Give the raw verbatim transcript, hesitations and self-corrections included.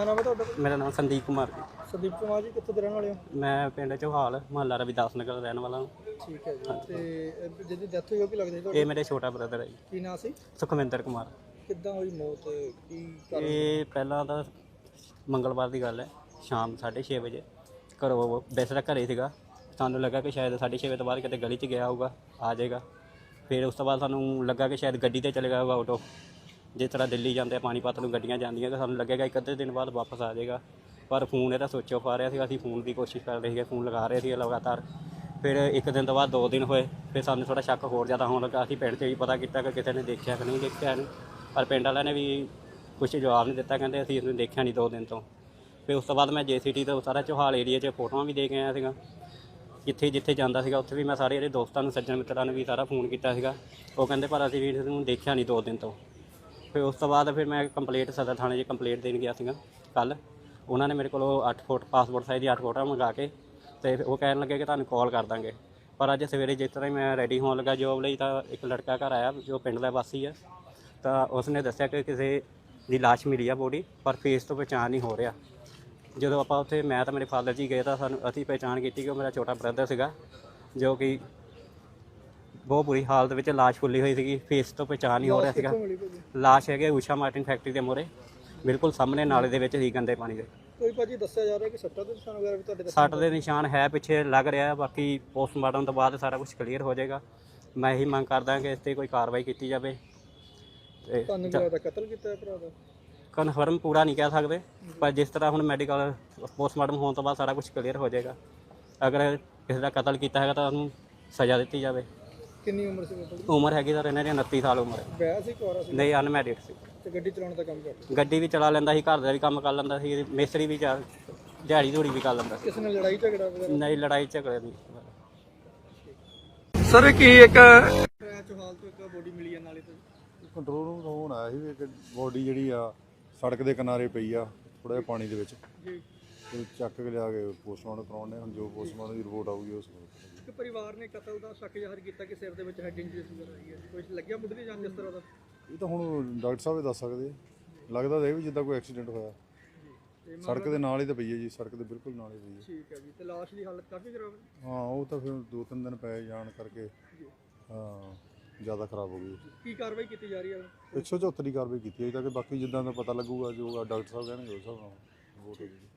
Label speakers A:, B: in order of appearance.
A: नाम है ਤੁਹਾਡਾ?
B: मेरा नाम संदीप कुमार जी।
A: ਸੰਦੀਪ ਕੁਮਾਰ ਜੀ ਕਿੱਥੋਂ ਦੇ ਰਹਿਣ ਵਾਲੇ ਹੋ?
B: मैं पिंड चौहाल मुहल्ला रविदास नगर रहने वाला हूँ।
A: ਠੀਕ ਹੈ ਜੀ। ਤੇ ਇਹ ਜਿਹਦੀ ਡੈਥ ਹੋਈ ਉਹ ਕੀ ਲੱਗਦਾ ਸੀ
B: ये
A: ਤੁਹਾਡਾ?
B: मेरे छोटा ब्रदर है जी,
A: ਕੀ ਨਾਂ ਸੀ?
B: सुखविंदर कुमार।
A: ਕਿੱਦਾਂ ਹੋਈ ਮੌਤ? ਕੀ ਕਾਰਨ?
B: ਇਹ ਪਹਿਲਾਂ ਤਾਂ ਮੰਗਲਵਾਰ ਦੀ ਗੱਲ ਹੈ, ਸ਼ਾਮ ਸਾਢੇ ਛੇ ਵਜੇ ਘਰੋਂ ਵੈਸੇ ਤਾਂ ਘਰੇ ਸੀਗਾ, ਸਾਨੂੰ ਲੱਗਾ ਕਿ ਸ਼ਾਇਦ ਸਾਢੇ ਛੇ ਵਜੇ ਤੋਂ ਬਾਅਦ ਕਿਤੇ ਗਲੀ 'ਚ ਗਿਆ ਹੋਊਗਾ, ਆ ਜਾਏਗਾ। ਫਿਰ ਉਸ ਤੋਂ ਬਾਅਦ ਸਾਨੂੰ ਲੱਗਾ ਕਿ ਸ਼ਾਇਦ ਗੱਡੀ ਤੇ ਚਲੇ ਗਿਆ ਹੋਊਗਾ ਆਟੋ, ਜਿਸ ਤਰ੍ਹਾਂ ਦਿੱਲੀ ਜਾਂਦੇ ਆ ਪਾਣੀਪਤ ਨੂੰ ਗੱਡੀਆਂ ਜਾਂਦੀਆਂ, ਕਿ ਸਾਨੂੰ ਲੱਗੇਗਾ ਇੱਕ ਅੱਧੇ ਦਿਨ ਬਾਅਦ ਵਾਪਸ ਆ ਜਾਏਗਾ। ਪਰ ਫੋਨ ਇਹਦਾ ਸਵਿਚ ਆਫ ਆ ਰਿਹਾ ਸੀ, ਅਸੀਂ ਫੋਨ ਦੀ ਕੋਸ਼ਿਸ਼ ਕਰ ਰਹੇ ਸੀਗੇ, ਫੋਨ ਲਗਾ ਰਹੇ ਸੀ ਲਗਾਤਾਰ। ਫਿਰ ਇੱਕ ਦਿਨ ਤੋਂ ਬਾਅਦ ਦੋ ਦਿਨ ਹੋਏ, ਫਿਰ ਸਾਨੂੰ ਥੋੜ੍ਹਾ ਸ਼ੱਕ ਹੋਰ ਜ਼ਿਆਦਾ ਹੋਣ ਲੱਗਾ। ਅਸੀਂ ਪਿੰਡ 'ਚ ਵੀ ਪਤਾ ਕੀਤਾ ਕਿ ਕਿਸੇ ਨੇ ਦੇਖਿਆ ਕਿ ਨਹੀਂ ਦੇਖਿਆ ਨਹੀਂ, ਪਰ ਪਿੰਡ ਵਾਲਿਆਂ ਨੇ ਵੀ ਕੁਛ ਜਵਾਬ ਨਹੀਂ ਦਿੱਤਾ, ਕਹਿੰਦੇ ਅਸੀਂ ਇਹਨੂੰ ਦੇਖਿਆ ਨਹੀਂ ਦੋ ਦਿਨ ਤੋਂ। ਫਿਰ ਉਸ ਤੋਂ ਬਾਅਦ ਮੈਂ ਜੇ ਸੀ ਟੀ ਤੋਂ ਸਾਰਾ ਚੌਹਾਲ ਏਰੀਏ 'ਚ ਫੋਟੋਆਂ ਵੀ ਦੇ ਕੇ ਆਇਆ ਸੀਗਾ, ਜਿੱਥੇ ਜਿੱਥੇ ਜਾਂਦਾ ਸੀਗਾ ਉੱਥੇ ਵੀ ਮੈਂ ਸਾਰੇ ਇਹਦੇ ਦੋਸਤਾਂ ਨੂੰ ਸੱਜਣ ਮਿੱਤਰਾਂ ਨੂੰ ਵੀ ਸਾਰਾ ਫੋਨ ਕੀਤਾ ਸੀਗਾ। ਉਹ ਕਹਿੰਦੇ ਪਰ ਅਸੀਂ ਵੀ ਇਹਨੂੰ ਦੇਖਿਆ ਨਹੀਂ ਦੋ ਦਿਨ ਤੋਂ। ਫਿਰ ਉਸ ਤੋਂ ਬਾਅਦ ਫਿਰ ਮੈਂ ਕੰਪਲੇਂਟ ਸਦਰ ਥਾਣੇ 'ਚ ਕੰਪਲੇਂਟ ਦੇਣ ਗਿਆ ਸੀਗਾ ਕੱਲ੍ਹ। ਉਹਨਾਂ ਨੇ ਮੇਰੇ ਕੋਲੋਂ ਅੱਠ ਫੁੱਟ ਪਾਸਪੋਰਟ ਸਾਈਜ਼ ਦੀ ਅੱਠ ਫੋਟੋਆਂ ਮੰਗਾ ਕੇ ਅਤੇ ਉਹ ਕਹਿਣ ਲੱਗੇ ਕਿ ਤੁਹਾਨੂੰ ਕਾਲ ਕਰ ਦਾਂਗੇ। ਪਰ ਅੱਜ ਸਵੇਰੇ ਜਿਸ ਤਰ੍ਹਾਂ ਹੀ ਮੈਂ ਰੈਡੀ ਹੋਣ ਲੱਗਾ ਜੋਬ ਲਈ, ਤਾਂ ਇੱਕ ਲੜਕਾ ਘਰ ਆਇਆ ਜੋ ਪਿੰਡ ਦਾ ਵਾਸੀ ਹੈ, ਤਾਂ ਉਸਨੇ ਦੱਸਿਆ ਕਿ ਕਿਸੇ ਦੀ ਲਾਸ਼ ਮਿਲੀ ਆ ਬੋਡੀ, ਪਰ ਫੇਸ ਤੋਂ ਪਹਿਚਾਣ ਨਹੀਂ ਹੋ ਰਿਹਾ। ਜਦੋਂ ਆਪਾਂ ਉੱਥੇ ਮੈਂ ਤਾਂ ਮੇਰੇ ਫਾਦਰ ਜੀ ਗਏ ਤਾਂ ਸਾਨੂੰ ਅਸੀਂ ਪਹਿਚਾਣ ਕੀਤੀ ਕਿ ਉਹ ਮੇਰਾ ਛੋਟਾ ਬ੍ਰਦਰ ਸੀਗਾ, ਜੋ ਕਿ ਬਹੁਤ ਬੁਰੀ ਹਾਲਤ ਵਿੱਚ ਲਾਸ਼ ਫੁੱਲੀ ਹੋਈ ਸੀਗੀ, ਫੇਸ ਤੋਂ ਪਹਿਚਾਣ ਨਹੀਂ ਹੋ ਰਿਹਾ ਸੀਗਾ। ਲਾਸ਼ ਹੈਗੇ ਊਸ਼ਾ ਮਾਰਟਿਨ ਫੈਕਟਰੀ ਦੇ ਮੂਹਰੇ, ਬਿਲਕੁਲ ਸਾਹਮਣੇ ਨਾਲੇ ਦੇ ਵਿੱਚ ਹੀ ਗੰਦੇ ਪਾਣੀ ਦੇ।
A: ਕੋਈ ਭਾਜੀ ਦੱਸਿਆ ਜਾ ਰਿਹਾ ਕਿ ਸੱਟਾਂ ਦੇ ਨਿਸ਼ਾਨ ਵਗੈਰਾ ਵੀ ਤੁਹਾਡੇ ਦੱਸੇ?
B: ਸੱਟ ਦੇ ਨਿਸ਼ਾਨ ਹੈ ਪਿੱਛੇ ਲੱਗ ਰਿਹਾ, ਬਾਕੀ ਪੋਸਟਮਾਰਟਮ ਤੋਂ ਬਾਅਦ ਸਾਰਾ ਕੁਝ ਕਲੀਅਰ ਹੋ ਜਾਏਗਾ। ਮੈਂ ਇਹੀ ਮੰਗ ਕਰਦਾ ਕਿ ਇਸ 'ਤੇ ਕੋਈ ਕਾਰਵਾਈ ਕੀਤੀ ਜਾਵੇ। ਤੇ
A: ਤੁਹਾਨੂੰ ਕੀ ਲੱਗਦਾ ਕਤਲ ਕੀਤਾ ਹੈ ਭਰਾ ਦਾ?
B: ਕਨਫਰਮ ਪੂਰਾ ਨਹੀਂ ਕਹਿ ਸਕਦੇ, ਪਰ ਜਿਸ ਤਰ੍ਹਾਂ ਹੁਣ ਮੈਡੀਕਲ ਪੋਸਟਮਾਰਟਮ ਹੋਣ ਤੋਂ ਬਾਅਦ ਸਾਰਾ ਕੁਝ ਕਲੀਅਰ ਹੋ ਜਾਏਗਾ। ਅਗਰ ਕਿਸੇ ਦਾ ਕਤਲ ਕੀਤਾ ਹੈਗਾ ਤਾਂ ਉਹਨੂੰ ਸਜ਼ਾ ਦਿੱਤੀ ਜਾਵੇ।
A: ਕਿੰਨੀ ਉਮਰ ਸੀ ਬੇਟਾ ਦੀ?
B: ਉਮਰ ਹੈਗੀ ਸਰ ਇਹਨਾਂ ਦੀ ਉਨੱਤੀ ਸਾਲ ਉਮਰ ਹੈ।
A: ਵਿਆਹ ਸੀ ਕੁਆਰਾ ਸੀ?
B: ਨਹੀਂ, ਅਨਮੈਰਿਡ ਸੀ।
A: ਤੇ ਗੱਡੀ ਚਲਾਉਣ ਦਾ ਕੰਮ ਕਰਦਾ?
B: ਗੱਡੀ ਵੀ ਚਲਾ ਲੈਂਦਾ ਸੀ, ਘਰ ਦਾ ਵੀ ਕੰਮ ਕਰ ਲੈਂਦਾ ਸੀ, ਮਿਸਤਰੀ ਵੀ ਚਾਰ ਦਿਹਾੜੀ ਧੂੜੀ ਵੀ ਕਰ ਲੈਂਦਾ ਸੀ।
A: ਕਿਸੇ ਨਾਲ ਲੜਾਈ ਝਗੜਾ ਵਗੈਰਾ?
B: ਨਹੀਂ, ਲੜਾਈ ਝਗੜੇ ਨਹੀਂ।
A: ਸਰ ਕੀ ਇੱਕ ਚੌਹਾਲ ਤੋਂ ਇੱਕ ਬੋਡੀ ਮਿਲੀ ਹੈ ਨਾਲੇ ਤੋਂ?
C: ਕੰਟਰੋਲ ਰੂਮ ਤੋਂ ਫੋਨ ਆਇਆ ਸੀ ਵੀ ਇੱਕ ਬੋਡੀ ਜਿਹੜੀ ਆ ਸੜਕ ਦੇ ਕਿਨਾਰੇ ਪਈ ਆ ਥੋੜ੍ਹਾ ਜਿਹਾ ਪਾਣੀ ਦੇ ਵਿੱਚ,
A: ਜੀ।
C: ਤੇ ਚੱਕ ਕੇ ਲਿਆ ਕੇ ਪੋਸਟਮਾਰਟਮ ਕਰਾਉਣੇ। ਹੁਣ ਜੋ ਪੋਸਟਮਾਰਟਮ ਦੀ ਰਿਪੋਰਟ ਆਊਗੀ ਉਸ ਨੂੰ।
A: ਇੱਕ ਪਰਿਵਾਰ ਨੇ ਕਤਲ ਦਾ ਸ਼ੱਕ ਜ਼ਾਹਰ ਕੀਤਾ ਕਿ ਸਿਰ ਦੇ ਵਿੱਚ ਹੈਡ ਇੰਜਰੀ ਵਗੈਰਾ ਆਈ ਹੈ, ਕੋਈ ਲੱਗਿਆ ਮੁੱਢਲੀ ਜਾਂਚ ਇਸ ਤਰ੍ਹਾਂ ਦਾ?
C: ਇਹ ਤਾਂ ਹੁਣ ਡਾਕਟਰ ਸਾਹਿਬ ਹੀ ਦੱਸ ਸਕਦੇ ਆ। ਲੱਗਦਾ ਤਾਂ ਇਹ ਵੀ ਜਿੱਦਾਂ ਕੋਈ ਐਕਸੀਡੈਂਟ ਹੋਇਆ। ਸੜਕ ਦੇ ਨਾਲ ਹੀ ਤਾਂ ਪਈ ਹੈ ਜੀ, ਸੜਕ ਦੇ ਬਿਲਕੁਲ ਨਾਲ ਹੀ ਪਈ ਹੈ।
A: ਠੀਕ ਹੈ ਜੀ। ਤੇ ਲਾਸ਼ ਦੀ ਹਾਲਤ ਕਾਫੀ ਖਰਾਬ ਹੈ?
C: ਹਾਂ, ਉਹ ਤਾਂ ਫਿਰ ਦੋ ਤਿੰਨ ਦਿਨ ਪਏ ਜਾਣ ਕਰਕੇ ਹਾਂ ਜ਼ਿਆਦਾ ਖਰਾਬ ਹੋ ਗਈ।
A: ਕੀ ਕਾਰਵਾਈ ਕੀਤੀ ਜਾ ਰਹੀ ਹੈ?
C: ਇੱਕ ਸੌ ਚੁਹੱਤਰ ਦੀ ਕਾਰਵਾਈ ਕੀਤੀ ਹੈ ਤਾਂ ਕਿ ਬਾਕੀ ਜਿੱਦਾਂ ਦਾ ਪਤਾ ਲੱਗੂਗਾ ਜੋ ਡਾਕਟਰ ਸਾਹਿਬ ਕਹਿਣਗੇ ਉਸ ਹਿਸਾਬ ਨਾਲ ਰਿਪੋਰਟ ਹੋ ਜਾਊਗੀ।